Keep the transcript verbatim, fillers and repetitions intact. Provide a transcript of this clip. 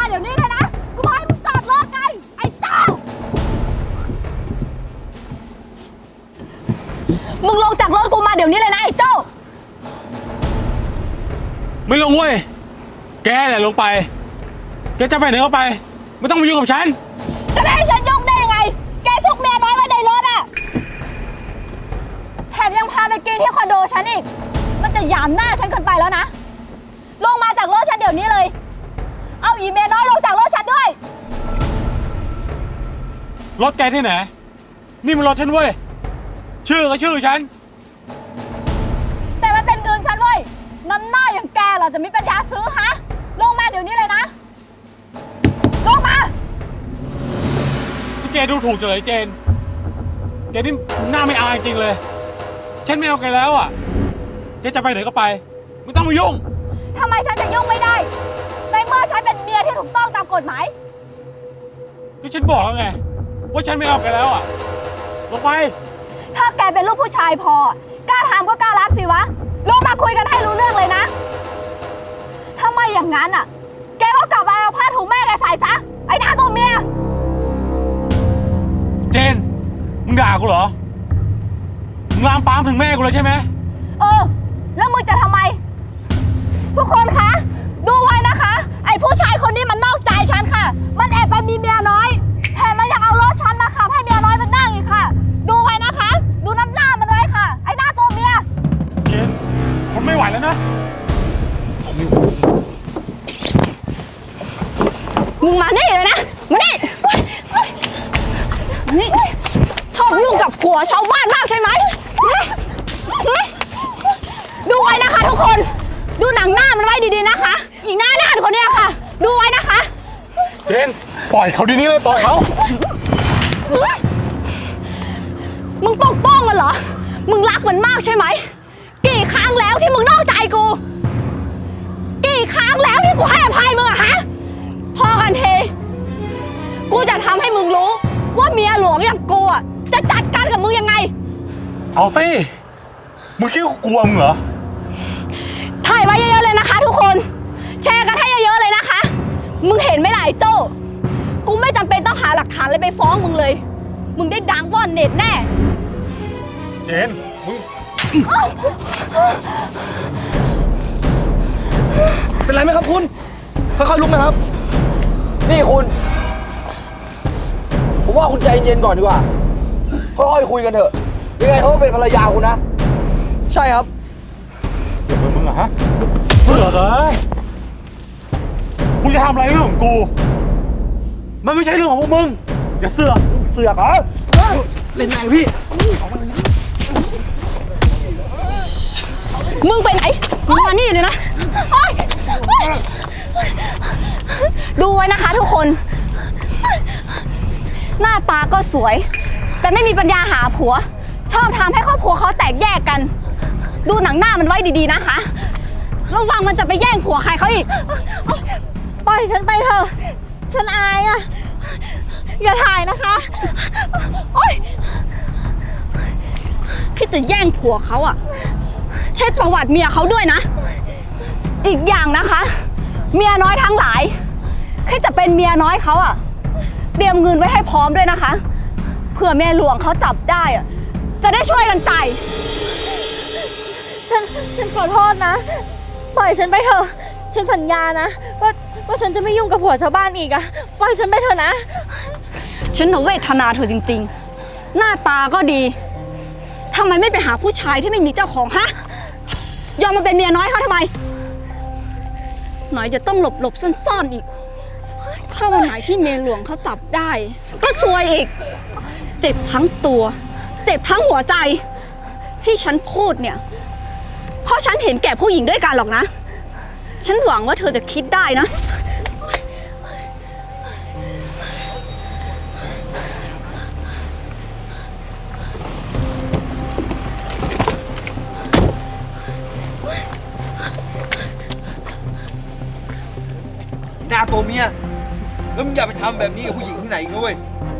เดี๋ยวนี้เลยนะกูบอกให้มึงจอดรถไงไอ้เต้ามึงลงจากรถกูมาเดี๋ยวนี้เลยนะไอ้เจ้าไม่ลงเว้ยแกแหละลงไปแกจะไปไหนก็ไปไม่ต้องมายุ่งกับฉันจะไม่ให้ฉันยุ่งได้ยังไงแกซุกเมียน้อยไว้ในรถอะแถมยังพาไปกินที่คอนโดฉันอีกมันจะหยามหน้าฉันเกินไปแล้วนะลงมาจากรถฉันเดี๋ยวนี้เลยเอาอีเมียน้อยลงจากรถฉันด้วยรถแกที่ไหนนี่มันรถฉันเว้ยชื่อก็ชื่อฉันแต่มันเป็นเงินฉันเว้ยน้ำหน้าอย่างแกเหรอจะมีปัญญาซื้อฮะลงมาเดี๋ยวนี้เลยนะลงมาที่แกดูถูกจังเลยเจนแกนี่หน้าไม่อายจริงเลยฉันไม่เอาแกแล้วอ่ะแกจะไปไหนก็ไปไม่ต้องมายุ่งทำไมฉันจะยุ่งไม่ได้ในเมื่อฉันเป็นเมียที่ถูกต้องตามกฎหมายก็ฉันบอกแล้วไงว่าฉันไม่เอาแกแล้วอ่ะลงไปถ้าแกเป็นลูกผู้ชายพอกล้าทำก็กล้ารับสิวะลงมาคุยกันให้รู้เรื่องเลยนะถ้าไม่อย่างนั้นอ่ะแกก็กลับมาเอาผ้าถุงแม่แกใส่ซะไอ้หน้าตัวเมียเจนมึงด่ากูเหรอมึงลามปามถึงแม่กูเลยใช่ไหมเออแล้วมึงจะทำไมทุกคนคะดูไว้นะคะไอ้ผู้ชายคนนี้มันนอกใจฉันค่ะมันแอบไปมีเมียน้อยแถมมันยังเอารถฉันมาขับให้เมียน้อยมันนั่งอีกค่ะดูไว้นะคะดูน้ำหน้ามันไว้ค่ะไอ้หน้าตัวเมียเจนทนไม่ไหวแล้วนะมึงมานี่เลยนะมานี่นี่ชอบยุ่งกับผัวชาวบ้านมากใช่ไหมดูไว้นะคะทุกคนดูหนังหน้ามันไว้ดีๆนะคะอีกหน้าด้านคนนี้ค่ะดูไว้นะคะเจนปล่อยเขาดีนี้เลยปล่อยเขามึงปกป้องมันเหรอมึงรักมันมากใช่ไหมกี่ครั้งแล้วที่มึงนอกใจกูกี่ครั้งแล้วที่กูให้อภัยมึงอะฮะพอกันเทกูจะทำให้มึงรู้ว่าเมียหลวงอย่างกูอะจะจัดการกับมึงยังไงเอาสิมึงคิดว่ากูกลัวมึงเหรอถ่ายไว้เยอะๆเลยนะคะทุกคนแชร์กันให้เยอะๆเลยนะคะมึงเห็นไหมล่ะไอ้โจ้กูไม่จำเป็นต้องหาหลักฐานเลยไปฟ้องมึงเลยมึงได้ดังว่อนเน็ตแน่เจนมึงเป็นไรไหมครับคุณค่อยๆลุกนะครับนี่คุณผมว่าคุณใจเย็นก่อนดีกว่าค่อยๆคุยกันเถอะยังไงเขาเป็นภรรยาคุณนะใช่ครับเดี๋ยวมึงอะฮะเบื่อเลยมึงจะทำอะไรเรื่องของกูมันไม่ใช่เรื่องของพวกมึงอย่าเสือกเสือกเหรอเล่นแรงพี่มึงไปไหนมึงมานี่เลยนะดูไว้นะคะทุกคนหน้าตาก็สวยแต่ไม่มีปัญญาหาผัวชอบทำให้ครอบครัวเขาแตกแยกกันดูหนังหน้ามันไว้ดีๆนะคะระวังมันจะไปแย่งผัวใครเขาอีกปล่อยฉันไปเถอะฉันอายอ่ะอย่าถ่ายนะคะโอ๊ยคิดจะแย่งผัวเขาอ่ะเช็คประวัติเมียเขาด้วยนะอีกอย่างนะคะเมียน้อยทั้งหลายคิดจะเป็นเมียน้อยเขาอ่ะเตรียมเงินไว้ให้พร้อมด้วยนะคะเผื่อเมียหลวงเขาจับได้อ่ะจะได้ช่วยกันจ่ายฉันฉันขอโทษนะปล่อยฉันไปเถอะฉันสัญญานะว่าว่าฉันจะไม่ยุ่งกับผัวชาวบ้านอีกอะปล่อยฉันไปเถอะนะฉันน่ะเวทนาเธอจริงๆหน้าตาก็ดีทำไมไม่ไปหาผู้ชายที่ไม่มีเจ้าของฮะยอมมาเป็นเมียน้อยเขาทำไมหน่อยจะต้องหลบหลบซ่อนๆอีกถ้าวันไหนที่เมียหลวงเขาจับได้ก็ซวยอีกเจ็บทั้งตัวเจ็บทั้งหัวใจที่ฉันพูดเนี่ยเพราะฉันเห็นแก่ผู้หญิงด้วยกันหรอกนะฉันหวังว่าเธอจะคิดได้นะหน้าตัวเมียแล้วมึงอย่าไปทำแบบนี้กับผู้หญิงที่ไหนอีกนะเว้ย